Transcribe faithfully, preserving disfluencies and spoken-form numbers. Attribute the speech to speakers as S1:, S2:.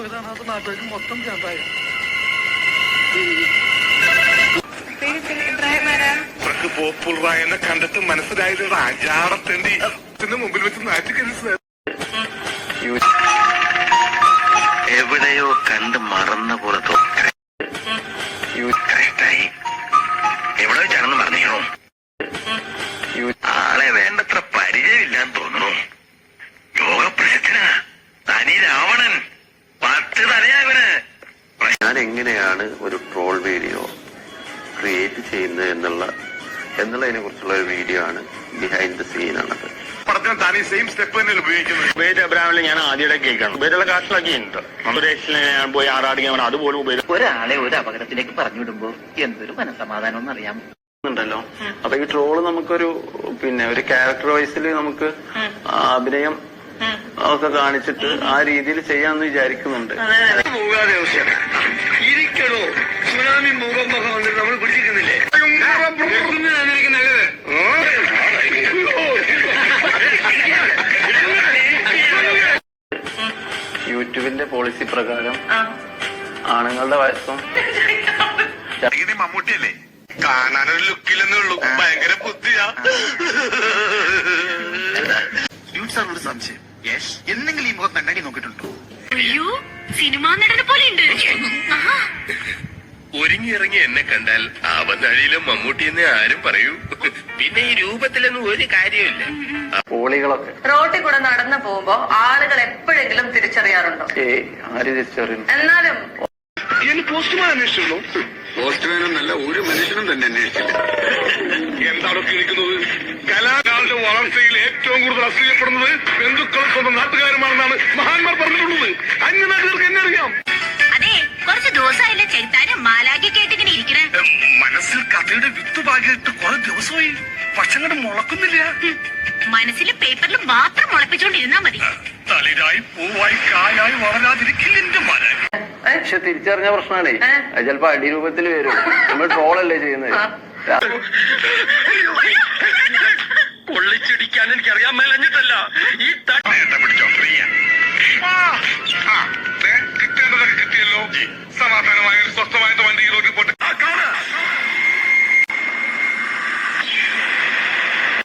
S1: കാണാത്ത നാട്ടുകാർക്ക് മൊത്തം ചേർത്തായി. പോപ്പുളറായെന്നെ കണ്ടിട്ട് മനസ്സിലായത് അജാടത്തേണ്ടി മുമ്പിൽ വെച്ച് നാട്ടിക്കരുത്.
S2: എവിടെയോ കണ്ട് മറന്ന പോലെ കറക്റ്റായി എവിടെ വെച്ചാണെന്ന് പറഞ്ഞോ. ആളെ വേണ്ടത്ര പരിചയമില്ലാന്ന് തോന്നുന്നു. യോഗപ്രസിദ്ധനാ തനി രാവണൻ. പത്ത് തലയാവന്. ഞാൻ എങ്ങനെയാണ് ഒരു ട്രോൾ വീഡിയോ ക്രിയേറ്റ് ചെയ്യുന്നത് എന്നുള്ള എന്നുള്ളതിനെ കുറിച്ചുള്ള ഒരു വീഡിയോ ആണ്. ബിഹൈൻഡ് ദ സീൻ ആണത്.
S1: പടത്തിന് താനീ സെയിം സ്റ്റെപ്പ് തന്നെ ഉപയോഗിക്കുന്നത്.
S3: ഉപയോഗിച്ച അബ്രാമിൽ ഞാൻ ആദ്യമായിട്ട് കേൾക്കണം. ഉപയോഗിച്ചുള്ള കാശിലാക്കിയിട്ടുണ്ട്. സുരേഷിനെ ഞാൻ പോയി ആറാടിക്കാൻ അതുപോലെ ഉപയോഗിച്ചു.
S4: ഒരാളെ ഒരു അപകടത്തിലേക്ക് പറഞ്ഞു വിടുമ്പോ എന്തൊരു മനസമാധാനം എന്നറിയാം
S3: ണ്ടല്ലോ. അപ്പൊ ഈ ട്രോള് നമുക്കൊരു പിന്നെ ഒരു ക്യാരക്ടർ വൈസിൽ നമുക്ക് അഭിനയം ഒക്കെ കാണിച്ചിട്ട് ആ രീതിയിൽ ചെയ്യാന്ന് വിചാരിക്കുന്നുണ്ട്.
S2: ഇരിക്കണോ സുനാമി മുഖം മുഖം വന്നിട്ട് നമ്മൾ പിടിച്ചിരിക്കുന്നില്ലേ? നല്ലത്
S3: യൂട്യൂബിന്റെ പോളിസി പ്രകാരം ആണുങ്ങളുടെ വയസ്സും
S1: മമ്മൂട്ടിയല്ലേ കാണാനൊരു ലുക്കില്ലെന്നേ ഉള്ളൂ. ഭയങ്കര ബുദ്ധിയാ. സാറിനോട് സംശയം. എന്തെങ്കിലും ഈ മുഖം കണ്ണാടി നോക്കിയിട്ടുണ്ടോ?
S5: അയ്യോ സിനിമാ നടനെ പോലെ ഉണ്ട്.
S6: ഒരുങ്ങി ഇറങ്ങി എന്നെ കണ്ടാൽ ആവന്നഴിയിലും മമ്മൂട്ടി എന്ന് ആരും പറയൂ. പിന്നെ ഈ രൂപത്തിലൊന്നും ഒരു കാര്യമില്ല.
S3: പോളികളൊക്കെ
S7: റോട്ടിൽ കൂടെ നടന്നു പോകുമ്പോ ആളുകൾ എപ്പോഴെങ്കിലും തിരിച്ചറിയാറുണ്ടോ?
S3: ഏ ആര് തിരിച്ചറിയുന്നു?
S7: എന്നാലും
S1: പോസ്റ്റ്മാൻ അന്വേഷിച്ചിരുന്നു.
S2: പോസ്റ്റ്മാനൊന്നല്ല, ഒരു മനുഷ്യനും തന്നെ അന്വേഷിച്ചില്ല.
S1: എന്താണ് കേൾക്കുന്നത്? കലാകാരുടെ വളർച്ചയിൽ ഏറ്റവും കൂടുതൽ അസൂയപ്പെടുന്നത് ബന്ധുക്കളും സ്വന്തം നാട്ടുകാരുമാണെന്നാണ് മഹാന്മാർ പറഞ്ഞിട്ടുള്ളത്. അന്യനാട്ടുകാർക്ക് എന്നെ അറിയാം.
S5: അതെ കുറച്ച് ദിവസമായില്ലേ ചെറുത്താനും മാലാക്കി കേട്ടിങ്ങനെ ഇരിക്കണേ.
S1: മനസ്സിൽ കഥയുടെ വിത്ത് പാകിയിട്ട് കുറെ ദിവസമായി പക്ഷെ അങ്ങോട്ട് മുളക്കുന്നില്ല.
S5: മനസ്സിൽ പേപ്പറിൽ മാത്രം മുളപ്പിച്ചോണ്ടിരുന്നാ മതി.
S1: തളിരായി പൂവായി കായായി വളരാതിരിക്കില്ല എന്റെ മരം.
S3: പക്ഷെ തിരിച്ചറിഞ്ഞ പ്രശ്നമാണേ. അത് ചിലപ്പോ അടിരൂപത്തിൽ വരും. നമ്മൾ ട്രോളല്ലേ ചെയ്യുന്നത്.
S6: പൊള്ളിച്ചിടിക്കാൻ എനിക്ക് അറിയാൻ മേലഞ്ഞിട്ടല്ല,